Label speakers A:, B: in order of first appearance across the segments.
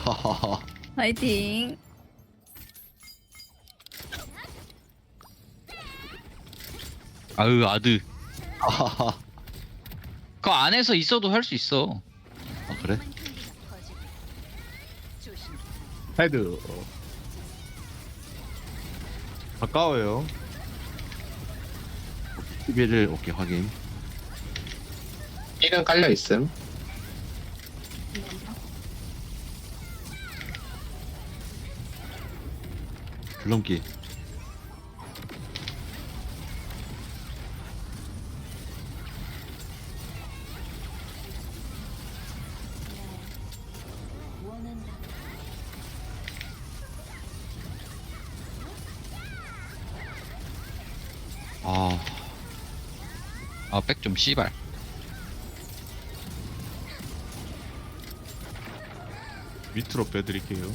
A: 파이팅.
B: 아유 아드. 그 안에서 있어도 할 수 있어.
C: 아 그래?
D: 헤드. 가까워요.
C: 11을 오케이 확인.
E: 1은 깔려 있음.
C: 줄넘기. 아,
B: 백 좀 씨발.
D: 밑으로 빼드릴게요.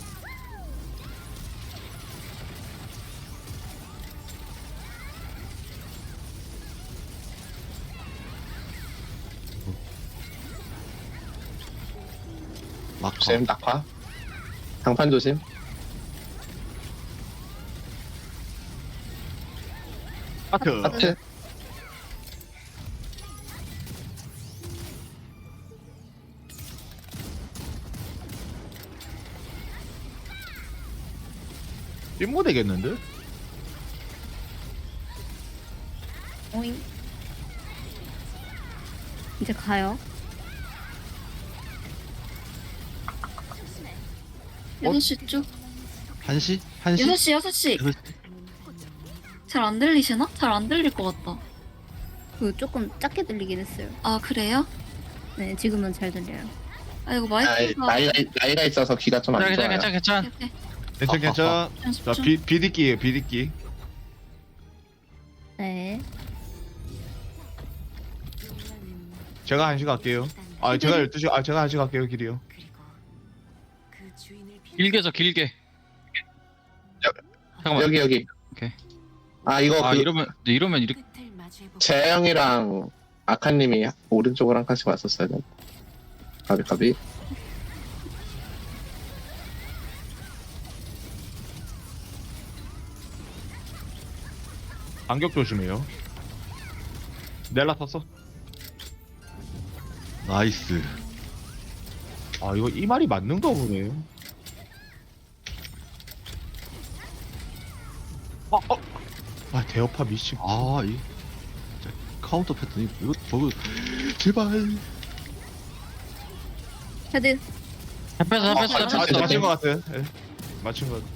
C: 낙하.
E: 조심, 낙화. 장판 조심.
D: 하트.
E: 하트.
D: 찜모 되겠는데?
A: 오잉. 이제 가요.
F: 6시 쭉.
C: 1시? 1시?
F: 6시, 6시.
C: 6시?
F: 잘 안 들리시나? 잘 안 들릴 것 같다.
A: 그 조금 작게 들리긴 했어요.
F: 아, 그래요?
A: 네, 지금은 잘 들려요.
F: 아, 이거
E: 나이,
F: 마이크가.
E: 나이가 있어서 귀가 좀 안
B: 괜찮아
E: 좋아요.
B: 괜찮아.
F: 오케이,
D: 괜찮 괜찮.
F: 연습
D: 자
F: 좀.
D: 비디끼예요 비디끼.
A: 네.
D: 제가 1시 갈게요. 아 제가 12시. 아 제가 1시 갈게요 길이요.
B: 길게서 길게. 잠깐만.
E: 여기.
B: 오케이.
E: 아, 이거
B: 아
E: 그
B: 이러면 이렇게.
E: 재영이랑 아카님이 오른쪽으로 한 칸씩 왔었어야 돼. 가비.
D: 간격 조심해요. 넬라 탔어.
C: 나이스.
D: 아 이거 이 말이 맞는가 보네. 아 대어파 미친.
C: 아, 이 진짜 카운터 패턴 이거 저거 제발.
A: 헤드.
B: 잡혔어.
D: 맞춘 것 같아. 예. 맞춘 것 같아.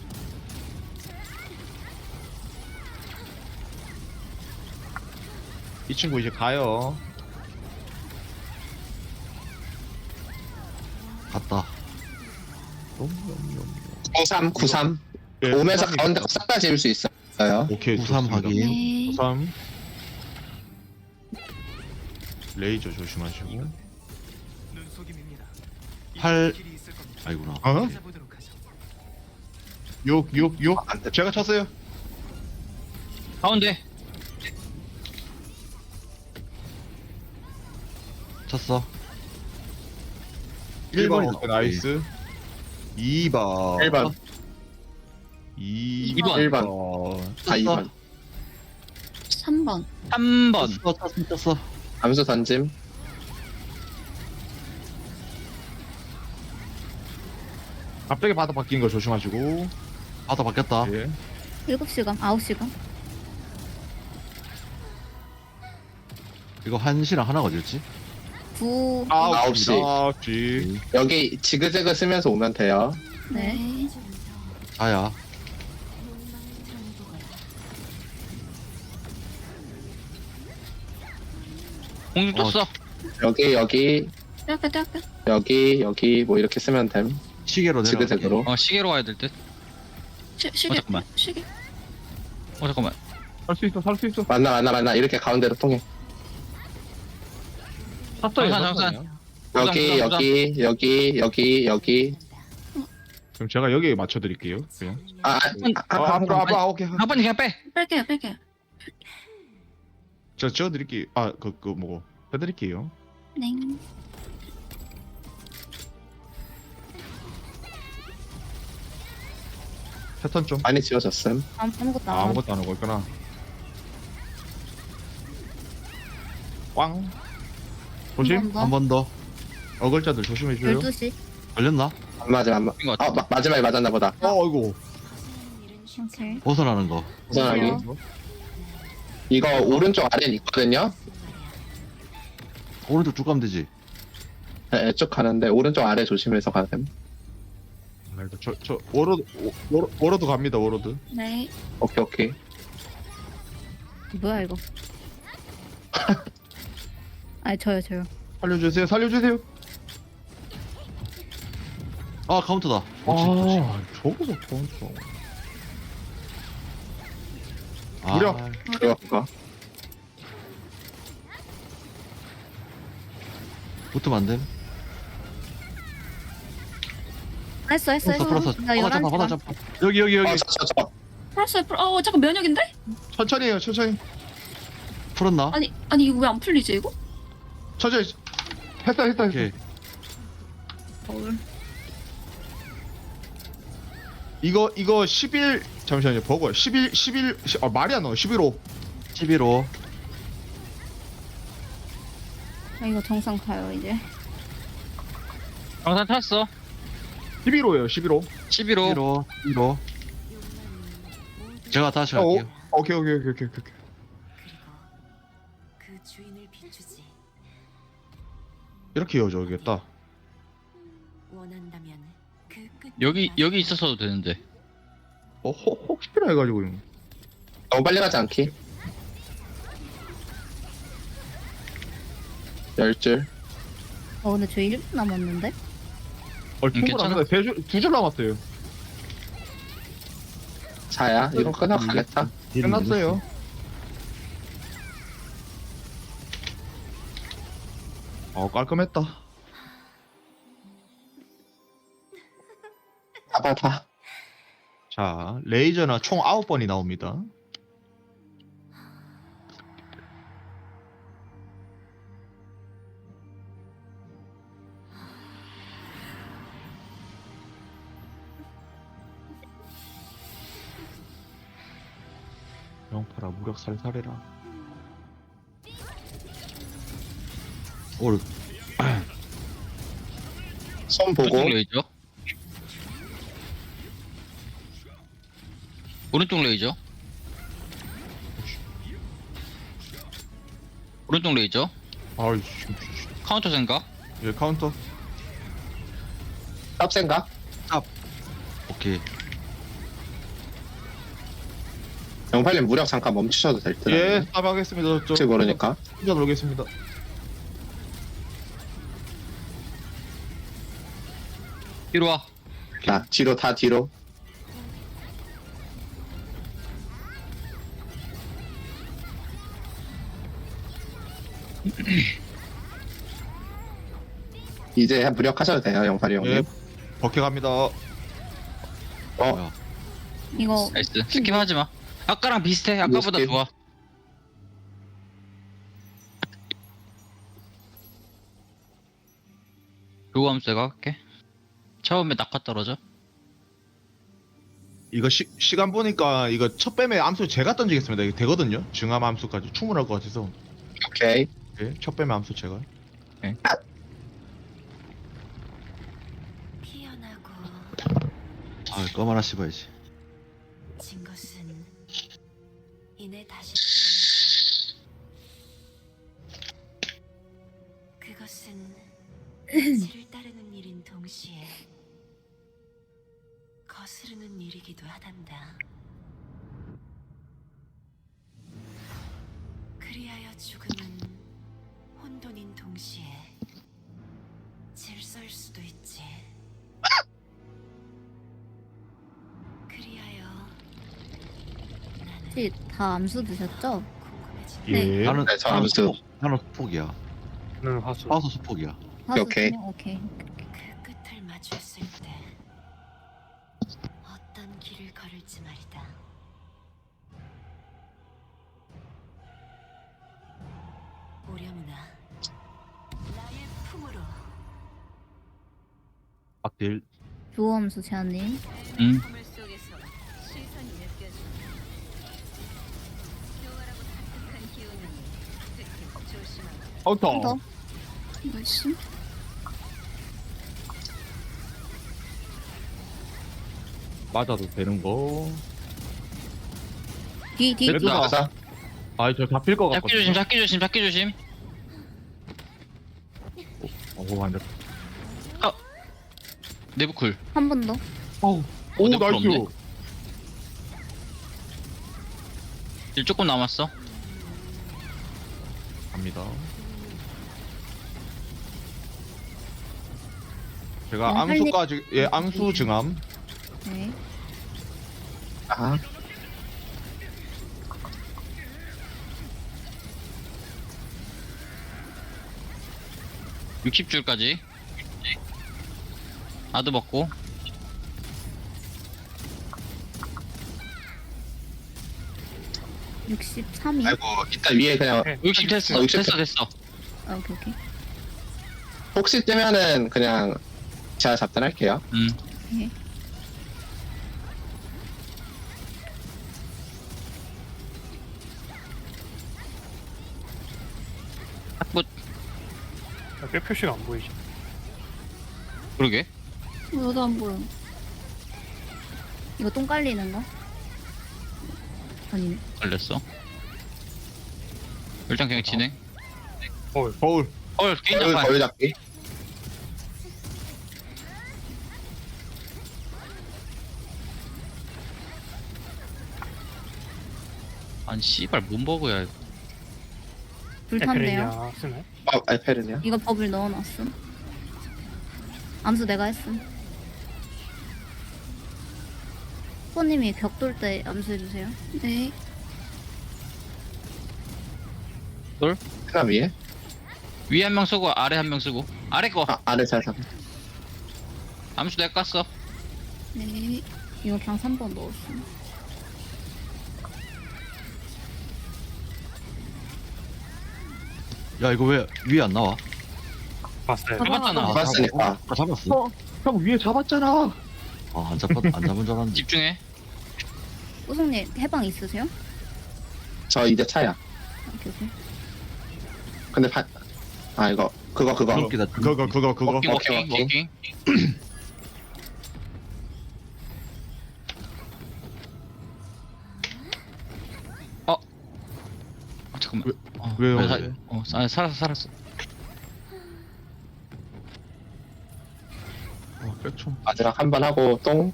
D: 이 친구 이제 가요.
C: 갔다.
E: 93.
D: 예,
E: 오면서
D: 삼이
E: 가운데
D: 있다.
E: 싹 다 지을 수 있어요.
D: 오케이
C: 93
D: 좋습니다.
C: 확인.
F: 네.
D: 93. 레이저 조심하시고.
C: 8. 아이구나.
D: 어? 6. 제가 쳤어요.
B: 가운데.
C: 쳤어.
D: 1번
C: 1번이다.
D: 오케이, 나이스. 2번.
E: 1번.
D: 2번.
E: 1번. 아, 2번.
F: 3번.
B: 3번.
C: 쳤어.
E: 암수 던짐.
D: 갑자기 바닥 바뀐 거 조심하시고.
C: 바다 바뀌었다.
D: 예.
A: 7시간, 9시간.
C: 이거 1시랑 하나가 어디였지?
A: 9.
E: 9시.
D: 9시.
E: 여기 지그재그 쓰면서 오면 돼요.
A: 네.
C: 자야.
B: 공중 떴어.
E: 여기,
F: 떼할게.
E: 여기 뭐 이렇게 쓰면 됨.
C: 시계로 내려갈게.
E: 지그재그로.
B: 시계로 와야 될 듯.
F: 시계.
B: 잠깐만.
F: 시계.
B: 잠깐만.
D: 살 수 있어.
E: 맞나. 이렇게 가운데로 통해.
B: 정산. 부상.
E: 여기.
D: 그럼 제가 여기에 맞춰드릴게요. 그냥.
E: 앞으로.
D: 오케이.
B: 한 번에 그냥 빼.
F: 뺄게요.
D: 저 찍어드릴게요. 뭐고. 빼드릴게요.
F: 네.
D: 패턴 좀.
E: 많이 지워졌음.
A: 아무것도 안 하고.
D: 아무것도 안 하고 있구나. 꽝. 조심.
A: 한 번 더.
C: 한 번 더.
D: 어글자들 조심해줘요.
A: 12시.
C: 걸렸나?
E: 안 맞아 안 맞.
B: 이거 같아.
E: 마지막에 맞았나 보다.
D: 어이구.
A: 오케이.
C: 벗어나는 거.
E: 우선하기.
A: 그래요?
E: 이거 오른쪽 아래에 있거든요.
C: 오른쪽 쭉 가면 되지.
E: 네, 쭉 가는데 오른쪽 아래 조심해서 가야 됨.
D: 저 워로드 갑니다. 워로드.
F: 네.
E: 오케이 오케이.
A: 뭐야 이거? 아니 저요.
D: 살려주세요. 살려주세요.
C: 아 카운터다.
D: 아, 저거서 카운터.
C: 아,
D: 무력.
E: 그거.
C: 붙으면 안 됨.
A: 했어.
C: 풀었어.
A: 나
C: 받아
A: 11시.
C: 받아 잡아. 여기.
E: 저.
F: 풀었어요. 잠깐 면역인데?
D: 천천히 해요. 천천히.
C: 풀었나?
F: 아니 이거 왜 안 풀리지 이거?
D: 천천히. 했다.
C: 오케이.
A: 거울.
D: 이거 11 잠시만요. 버거요. 11 말이 안 나와. 11호.
C: 11호.
A: 아 이거 정상 가요 이제.
B: 정산 탔어.
D: 11호예요. 11호.
B: 11호.
C: 11호. 제가 다시
D: 어,
C: 할게요.
D: 오케이.
G: 그리고 그 주인을 비추지.
D: 이렇게 이어져야겠다.
G: 원한다면 그 끝.
B: 여기 있었어도 되는데.
D: 혹시나 해가지고.
E: 너무 빨리 가지 않기. 10줄.
A: 근데 저 1분 남았는데?
D: 충분합니다. 두줄 남았어요.
E: 자야. 이거 끝나가겠다.
D: 끝났어요. 깔끔했다.
E: 다.
D: 자, 레이저나 총 9번이 나옵니다. 영파라 무력 살살해라.
C: 올.
E: 손 보고.
B: 오른쪽 레이저. 오른쪽 레이저. 오른쪽 레이저.
D: 아이씨.
B: 카운터 생각.
D: 예, 카운터.
E: 탑 생각.
C: 오케이.
E: 영팔님 무력 잠깐 멈추셔도 될 듯.
D: 예, 스탑하겠습니다.
E: 혹시 모르니까.
D: 혼자 놀겠습니다.
B: 뒤로 와.
E: 자, 뒤로 다 뒤로. 이제 무력하셔도 돼요, 영팔이 형님.
D: 예, 버켓 갑니다.
A: 이거
B: 나이스. 스킵하지 마. 아까랑 비슷해. 아까보다
E: 스킵.
B: 좋아. 요감세가 할게. 처음에 낙하 떨어져.
D: 이거 시간 보니까 이거 첫 뱀의 암수 제가 던지겠습니다. 이거 되거든요. 증암 암수까지 충분할 것 같아서.
E: 오케이.
D: 예, 첫 뱀의 암수 제가.
G: 피어나고
C: 아, 껌 하나 씹어야지.
G: 진 것은 이내 다시 태어나. 그것은 이치를 따르는 일인 동시에 거스르는 일이기도 하단다. 그리하여 죽음은 혼돈인 동시에 질서일 수도 있지. 그리하여 나는
A: 혹시 다 암수 드셨죠?
G: 궁금해진
F: 네.
C: 나는
E: 네, 저 암수.
C: 나는 수폭이야.
H: 는 화수.
C: 화수 수폭이야.
E: 오케이.
A: 오케이.
G: 그 끝을 마주했을 때 어떤 길을 걸을지 말이다. 오려무나 나의 품으로.
C: 악딜.
A: 조함수 제한님.
B: 응.
G: 품을 속에서
C: 카운터.
F: 나이스.
C: 맞아도 되는 거.
A: 뒤
C: 그래도 나-
E: 가자.
C: 아, 저 잡힐 것
B: 잡기 조심,
C: 같거든요.
B: 잡기 조심, 잡기 조심.
C: 오, 안 잡.
B: 내부 쿨.
A: 한 번 더.
C: 오, 오,
B: 내
C: 나이스.
B: 없네. 일 조금 남았어.
C: 갑니다.
D: 제가
A: 할 일-
D: 암수까지 예 암수 증암.
A: 네.
E: 아,
B: 60줄까지. 아드 먹고.
A: 63이.
E: 아이고, 이따 위에 그냥
B: 60 됐어.
E: 60
B: 됐어, 됐어.
A: 아, 오케이 오케이.
E: 혹시 뜨면은 그냥 제가 잡단할게요.
A: 네.
B: 탁붓.
H: 뼈 표시가 안 보이지.
B: 그러게.
F: 나도 안 보여.
A: 이거 똥 깔리는 거? 아니네.
B: 걸렸어. 일단 그냥 진행.
D: 거울.
B: 개인
E: 거울,
B: 장판.
E: 거울 잡기.
B: 아니, 씨발, 뭔 버그야, 이거.
A: 불 탔네요.
H: 에페르니아 쓰네.
E: 알페르냐?
A: 이거 버블 넣어놨음. 암수 내가 했음. 후보님이 벽 돌 때 암수해주세요.
F: 네.
E: 하나 위에?
B: 위에 한 명 쓰고, 아래 한 명 쓰고. 아래 거.
E: 아, 아래 잘 잡.
B: 암수 내가 깠어.
F: 네.
A: 이거 그냥 3번 넣었음.
C: 야, 이거 왜 위에 안 나와?
H: 봤어요.
B: 잡았잖아.
E: 잡았으니까.
C: 아, 잡았어. 형 위에 잡았잖아. 아, 안 잡은 줄 알았는데.
B: 집중해.
A: 우성님 해방 있으세요?
E: 저 이제 차야.
A: 오케이 오케이.
E: 근데 아, 이거, 그거.
C: 웃기다.
D: 그거.
B: 워킹,
E: 오케이,
B: 워킹,
E: 오케이.
B: 워킹. 잠깐만.
D: 왜요?
B: 살았어.
D: 백총.
E: 마지막 한 번 하고, 똥.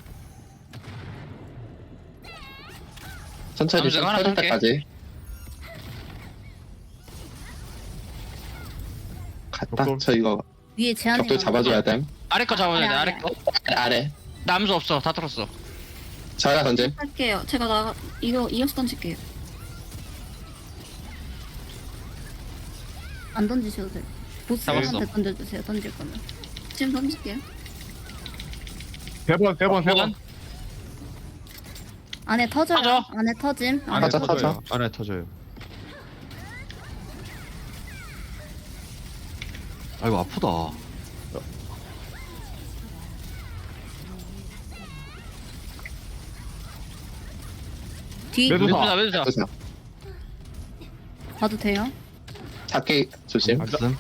E: 천천히
B: 암수 내가 하나
E: 터질
B: 할게.
E: 때까지. 갔다.
D: 벽돌.
E: 저 이거
A: 위에 제한이.
E: 벽돌 잡아줘야 됨.
B: 아래 거 잡아야 돼, 아래 거.
E: 아래.
B: 나 암수 없어. 다 털었어.
E: 저희가 던짐.
F: 할게요. 제가 이어서 던질게요.
A: 안 던지셔도 돼요.
B: 잡았어.
A: 보스한테 던져주세요. 던질 거면.
F: 지금 던질게요.
C: 세 번.
A: 안에 터져요.
B: 터져.
A: 안에 터짐. 안에
E: 터져, 터져.
D: 안에 터져요.
C: 아이고, 아프다.
A: 뒤
B: 매도사.
E: 그래서
A: 봐도 돼요?
E: 잡기 조심.
C: 무슨?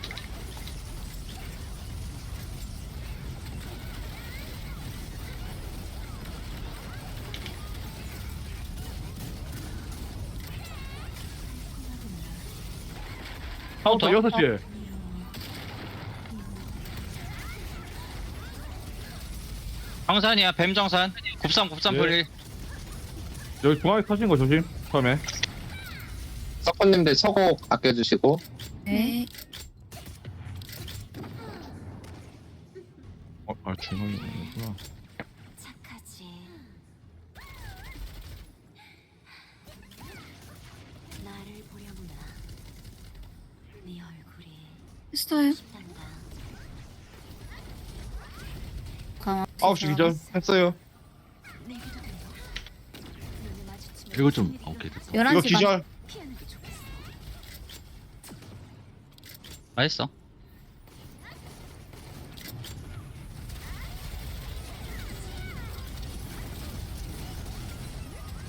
B: 카운터
C: 6시에.
B: 정산이야, 뱀정산. 곱삼
C: 예.
B: 풀릴.
C: 여기 중앙에 터진 거 조심. 처음에.
E: 서커님들 서곡 아껴주시고.
F: 네.
D: 중앙이 있구나.
G: 착하지. 나를 보려구나. 네 얼굴이
F: 했어요.
G: 단다.
A: 강화.
D: 9시 기절 했어요.
G: 내게도 된다. 눈을 마주치면
C: 이거 좀,
G: 손이
C: 오케이, 됐다.
A: 11시
D: 이거 기절.
G: 피하는 게 좋겠어.
B: 맛있어.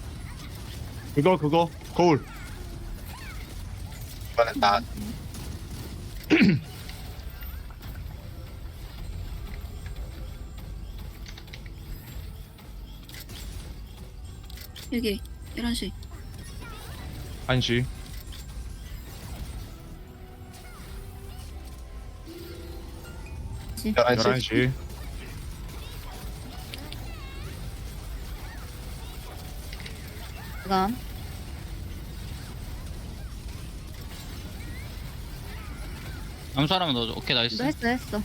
D: 그거 거울.
E: 이번엔 나
F: 여기 11시.
D: 1시.
E: 네, 11시.
D: 11시.
A: 그다음
B: 암수 하나만 넣어줘. 오케이 나이스.
A: 너 했어.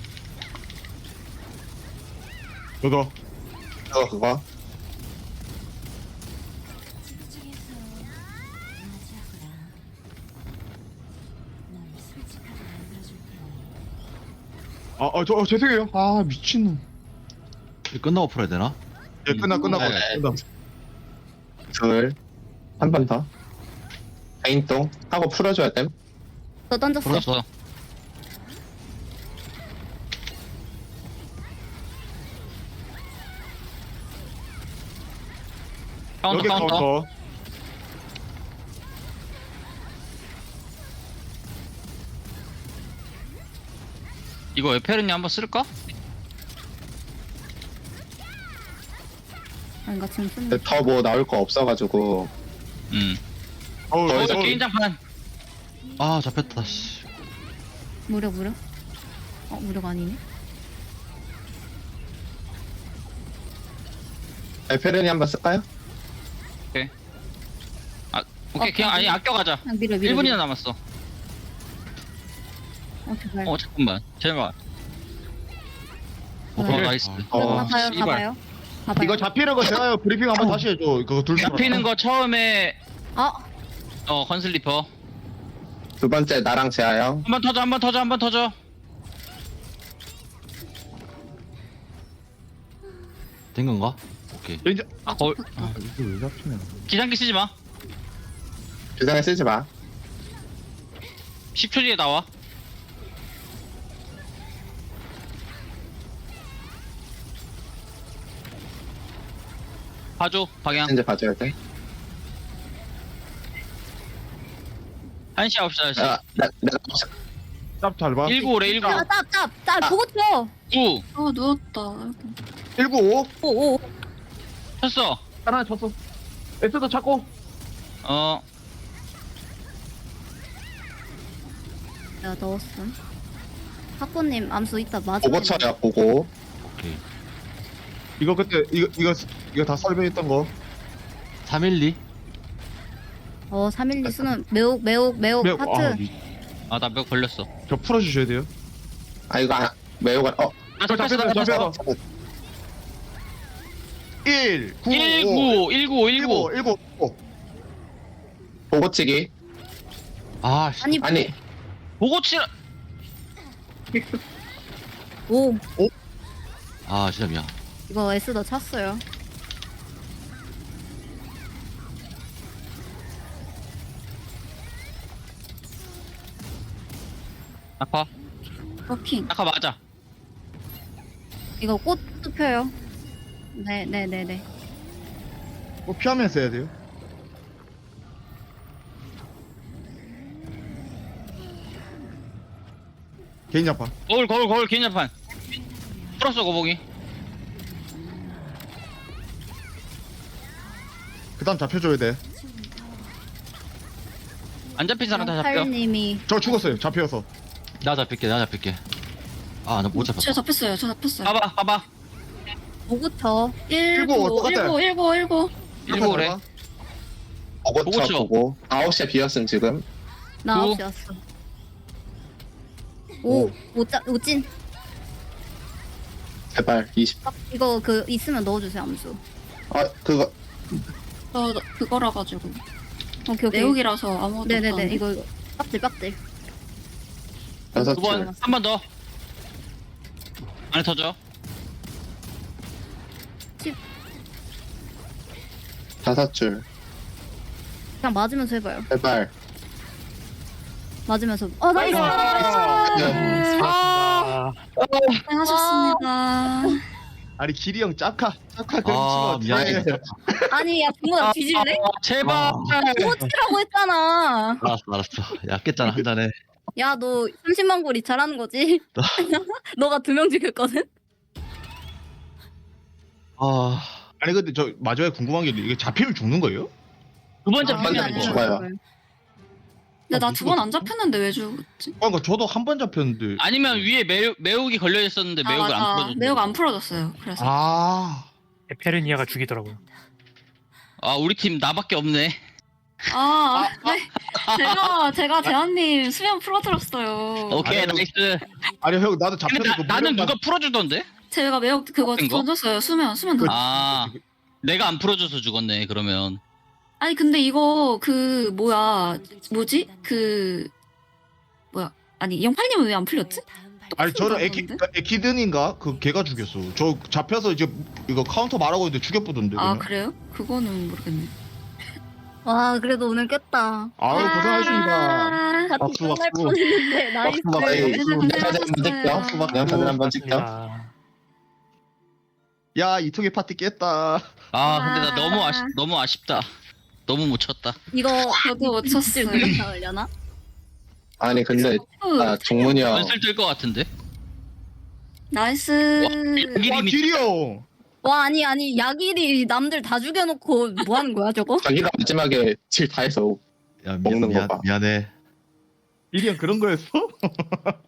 D: 그거.
E: 그거.
G: 집중해서 맞이하거라. 넌 솔직하게 만들어줄 테니.
D: 죄송해요. 아, 미친놈.
C: 이거 끝나고 풀어야 되나?
D: 예, 끝나고.
E: 네. 둘. 한 번 더. 개인동 하고 풀어줘야 됨.
A: 너 던졌어.
B: 풀었어.
D: 여기
B: 카운터.
D: 카운터.
B: 이거 에페르니 한번 쓸까?
A: 아닌가 지금 쓰는.
E: 더 뭐 나올 거 없어가지고.
B: 거기서 게임장판.
C: 아 잡혔다 씨.
A: 무력. 무력 아니네.
E: 에페르니 한번 쓸까요?
B: 오케이 그냥 아니 아껴가자.
A: 그냥 밀어.
B: 1분이나 남았어.
A: 제발.
B: 잠깐만. 제발.
A: 네.
B: 나이스.
A: 가봐요.
D: 이거 잡히는 거 제가 브리핑 한번 다시 해줘. 그거 둘 다.
B: 잡히는 거 처음에
A: 아,
B: 건슬리퍼.
E: 두 번째 나랑 재하 형.
B: 한 번 터져.
C: 된 건가? 오케이.
D: 이제
B: 거울.
D: 이게 왜 잡히냐?
B: 기상기 쓰지 마.
E: 주장에 쓰지 마.
B: 10초 뒤에 나와. 봐줘 방향.
E: 이제 봐줘야 돼.
B: 1시 9시 9시.
E: 내가
D: 짭잘 봐.
B: 195래 19.
A: 짭 보고 쳐.
B: 9.
F: 아 누웠다.
D: 195.
A: 오.
B: 쳤어.
D: 하나 쳤어. S도 찾고.
A: 내가 넣었음. 학부님 암수 이따 맞아.
E: 보고 쳐요. 보고.
C: 오케이.
D: 이거 그때 이거 다 설명했던 거.
C: 312.
A: 312 쓰는 매혹 하트.
B: 나 몇 걸렸어.
D: 저 풀어주셔야 돼요.
E: 아 이거 매우가
D: 잡혔어. 1 9
B: 19.
E: 보고치기.
C: 아 씨.
E: 아니
B: 보고 치라.
A: 오.
C: 아 진짜 미안.
A: 이거 S 더 찼어요.
B: 낙하.
F: 워킹.
B: 낙하 맞아.
A: 이거 꽃도 펴요. 네네네네.
D: 뭐 피하면서 해야 돼요. 개인 잡파.
B: 거울 개인 자판. 풀었어 거북이.
D: 그다음 잡혀줘야 돼.
B: 안 잡힌 사람 다 잡혀.
A: 팔님이
D: 저 죽었어요. 잡혀서.
C: 나 잡힐게. 아 나 못 잡혔다.
F: 저 잡혔어요.
B: 봐봐.
A: 보고 쳐.
D: 19 똑같아.
F: 19.
B: 19래.
E: 보고
B: 보고
E: 쳐
B: 쳐.
E: 보고. 9시에 비었음 지금.
A: 나
B: 오.
A: 9시 왔어. 오찐.
E: 제발 20.
A: 이거 있으면 넣어주세요 암수.
E: 그거
F: 저 그거라 가지고.
A: 오케이.
F: 내용이라서 아무것도
A: 네네네.
F: 없다는데?
A: 이거 빡들.
E: 여섯 줄.
B: 2번 한 번 더. 안에 터져.
E: 다섯 줄.
A: 그냥 맞으면서 해봐요.
E: 제발.
A: 맞으면서. 나이스.
E: 네.
H: 아,
F: 고생하셨습니다.
D: 아니 길이 형 짝카 그런
C: 아
D: 치면
C: 미안해.
A: 아니 야 붕어 뒤질래?
B: 제발.
A: 보고 치라고 했잖아.
C: 알았어. 야 깼잖아 한 잔에.
A: 야, 너 30만 골이 잘하는 거지? 너가 2명 죽였거든?
C: 아,
D: 아니 근데 저 마지막에 궁금한 게 이게 잡히면 죽는 거예요?
B: 두 번
A: 아,
B: 잡히면
E: 아니,
B: 안
E: 아니,
B: 죽어.
E: 죽어요.
F: 근데 나 2번 안 잡혔는데 왜 죽었지?
D: 그러니까 저도 한 번 잡혔는데.
B: 아니면 위에 매혹이 걸려 있었는데
F: 아
B: 매혹을 안
F: 맞아.
B: 풀어줬어.
F: 매우가 안 풀어졌어요. 그래서.
D: 아,
H: 에페르니아가 죽이더라고요.
B: 아 우리 팀 나밖에 없네.
F: 네. 제가 대한님 수면 풀어드렸어요.
B: 오케이
D: 아니,
B: 나이스.
D: 아니 형 나도
B: 근데
D: 잡혔는데
B: 나는 누가 풀어주던데?
F: 제가 매우 그거
B: 어떤 거?
F: 던졌어요. 수면 던졌어요.
B: 아 내가 안 풀어줘서 죽었네 그러면.
F: 아니 근데 이거 그 뭐지? 아니 영팔님은 왜 안 풀렸지?
D: 아니 저는
F: 똑같은 거
D: 에키든인가 그 걔가 죽였어. 저 잡혀서 이제 이거 카운터 말하고 있는데 죽여보던데.
F: 아
D: 그냥.
F: 그래요? 그거는 모르겠네.
A: 와, 그래도 오늘 깼다.
D: 아유 고생하셨습니다.
A: 같이
C: 박수,
A: 끝날
C: 박수.
A: 뻔했는데, 나이스.
E: 수박 영사진 한번 찍죠. 수박 영사진 한번 찍죠.
H: 고맙습니다.
D: 야 이통의 파티 깼다.
B: 아 근데 나 너무 아쉽다. 너무 못 쳤다.
A: 이거
F: 저도 못 쳤어요.
A: 누가 나오려나?
E: 아니 근데 종문이 형
B: 연슬 뜰 것 같은데.
F: 나이스.
D: 와 길이 형.
A: 와, 아니, 야길이 남들 다 죽여놓고 뭐 하는 거야, 저거?
E: 자기가 마지막에 질 다 해서
C: 야
E: 먹는 거 봐.
C: 미안해.
D: 길이 형 그런 거였어?